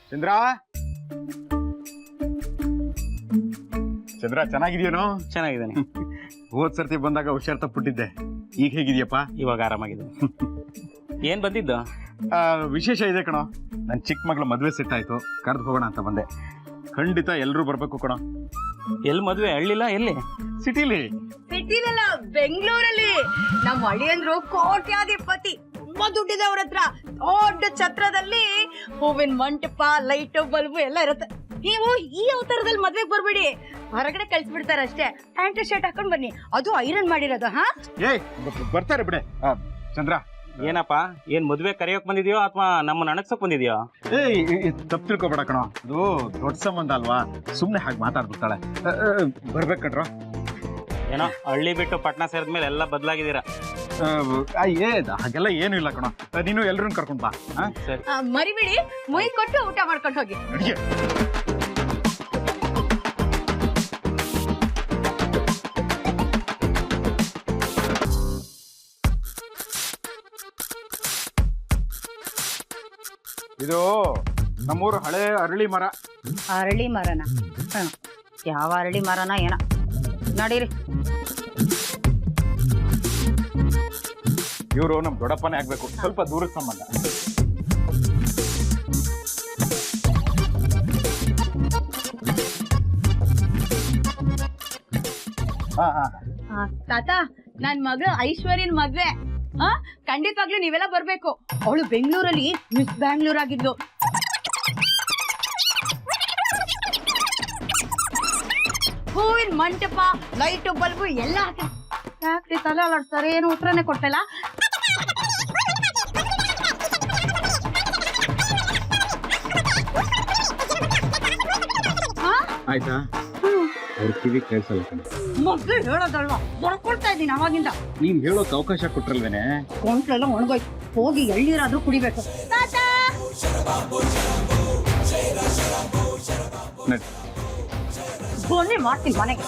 ಚಂದ್ರ ಚಂದ್ರ ಚೆನ್ನಾಗಿದ್ಯೇನೋ? ಚೆನ್ನಾಗಿದ್ದಾನೆ. ಹೋದ್ ಸರ್ತಿ ಬಂದಾಗ ಹುಷಾರ್ ತಪ್ಪಿಟ್ಟಿದ್ದೆ. ಈಗ ಹೇಗಿದ್ಯಪ್ಪ? ಇವಾಗ ಆರಾಮಾಗಿದೆ. ಏನ್ ಬಂದಿದ್ದು? ವಿಶೇಷ ಇದೆ ಕಣೋ. ನನ್ನ ಚಿಕ್ಕ ಮಗಳ ಮದುವೆ ಸೆಟ್ ಆಯ್ತು, ಕರೆದು ಹೋಗೋಣ ಅಂತ ಬಂದೆ. ಖಂಡಿತ ಎಲ್ಲರೂ ಬರ್ಬೇಕು ಕಣೋ. ಎಲ್ಲಿ ಮದ್ವೆ? ಹಳ್ಳಿಲ್ಲ, ಎಲ್ಲಿ? ಸಿಟಿಲಿ. ಸಿಟಿಲಲ್ಲ, ಬೆಂಗಳೂರಲ್ಲಿ. ನಮ್ಮ ಅಳಿಯಂದ್ರು ಕೋಟ್ಯಾಧಿಪತಿ, ತುಂಬಾ ದುಡ್ಡಿದೆ ಅವ್ರ ಹತ್ರ. ದೊಡ್ಡ ಛತ್ರದಲ್ಲಿ ಹೂವಿನ ಮಂಟಪ, ಲೈಟ್, ಬಲ್ಬು ಎಲ್ಲ ಇರುತ್ತೆ. ನೀವು ಈ ಅವತಾರದಲ್ಲಿ ಮದ್ವೆಗೆ ಬರ್ಬೇಡಿ, ಹೊರಗಡೆ ಕಳ್ಸಿಬಿಡ್ತಾರೆ ಅಷ್ಟೇ. ಪ್ಯಾಂಟ್ ಶರ್ಟ್ ಹಾಕೊಂಡ್ ಬನ್ನಿ, ಅದು ಐರನ್ ಮಾಡಿರೋದು. ಹಾ ಬರ್ತಾರೆ ಬಿಡೆ. ಚಂದ್ರ, ಏನಪ್ಪ, ಏನ್ ಮದ್ವೆ ಕರೆಯೋಕ್ ಬಂದಿದ್ಯೋ ಅಥವಾ ನಮ್ಮನ್ನ ಅಣಗ್ಸಕ್ ಬಂದಿದ್ಯೋ? ತಪ್ಪು ತಿಳ್ಕೊಬೇಡ ಕಣೋ, ಅದು ದೊಡ್ಡ ಸಂಬಂಧ ಅಲ್ವಾ, ಸುಮ್ನೆ ಹಾಗೆ ಮಾತಾಡ್ಬಿಡ್ತಾಳೆ. ಬರ್ಬೇಕು ಕಣ್ರೋ. ಏನೋ ಹಳ್ಳಿ ಬಿಟ್ಟು ಪಟ್ನಾ ಸೇರಿದ್ಮೇಲೆ ಎಲ್ಲ ಬದಲಾಗಿದ್ದೀರಾ. ಹಾಗೆಲ್ಲ ಏನು ಇಲ್ಲ ಕಣೋ, ನೀನು ಎಲ್ರನ್ನ ಕರ್ಕೊಂಡ್ ಬಾ. ಸರಿ, ಮರಿಬಿಡಿ, ಮುಯ್ ಕೊಟ್ಟು ಊಟ ಮಾಡ್ಕೊಂಡು ಹೋಗಿ. ಅಡಿಗೆ ಇದು ನಮ್ಮೂರು ಹಳೆ ಅರಳಿ ಮರ. ಅರಳಿ ಮರನ? ಯಾವ ಅರಳಿ ಮರನ ಏನ? ನಡೀರಿ. ಇವರು ನಮ್ ದೊಡ್ಡಪ್ಪನೇ ಆಗ್ಬೇಕು, ಸ್ವಲ್ಪ ದೂರದ ಸಂಬಂಧ. ತಾತ, ನನ್ ಮಗಳು ಐಶ್ವರ್ಯನ್ ಮದ್ವೆ. ಖಂಡಿತವಾಗ್ಲೂ ನೀವೆಲ್ಲ ಬರ್ಬೇಕು. ಅವಳು ಬೆಂಗಳೂರಲ್ಲಿ ಮಿಸ್ ಬ್ಯಾಂಗ್ಳೂರ್ ಆಗಿದ್ಲು. ಹೂವಿನ ಮಂಟಪ, ಲೈಟು, ಬಲ್ಬು ಎಲ್ಲ ಹಾಕಿ. ಯಾಕ್ರಿ ತಲೆ ಅಲಾಡ್ತಾರೆ? ಏನು ಉತ್ತರನೇ ಕೊಡ್ತಲ್ಲ. ಆಯ್ತಾ? ಅವ್ರ ಕಿವಿ ಕೇಳಿಸಲ್ಲ. ಮಗಳು ಹೇಳೋದಲ್ವಾ, ಬರ್ಕೊಳ್ತಾ ಇದ್ದೀನಿ ಅವಾಗಿಂದ. ನೀನ್ ಹೇಳೋಕ್ ಅವಕಾಶ ಕೊಟ್ರಲ್ವೇನೆ? ಕೊಂಟ್ಲೆಲ್ಲ ಒಣಗೋಯ್ತು, ಹೋಗಿ ಎಳ್ಳೀರಾದ್ರೂ ಕುಡಿಬೇಕು. ಬನ್ನಿ, ಮಾಡ್ತೀನಿ ಮನೆಗೆ.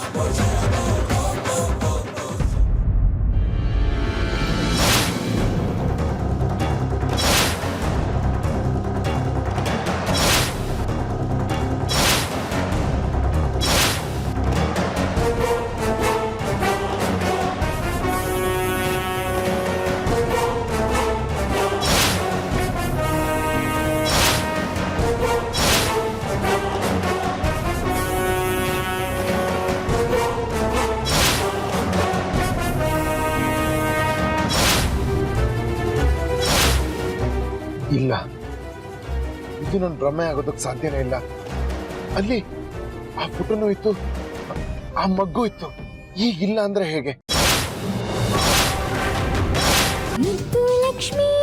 ಇಲ್ಲ, ಇದು ನನ್ನ ಭ್ರಮೆ ಆಗೋದಕ್ಕೆ ಸಾಧ್ಯನೇ ಇಲ್ಲ. ಅಲ್ಲಿ ಆ ಪುಟನೂ ಇತ್ತು, ಆ ಮಗ್ಗು ಇತ್ತು, ಈಗಿಲ್ಲ ಅಂದ್ರೆ ಹೇಗೆ? ಮುತ್ತು ಲಕ್ಷ್ಮೀ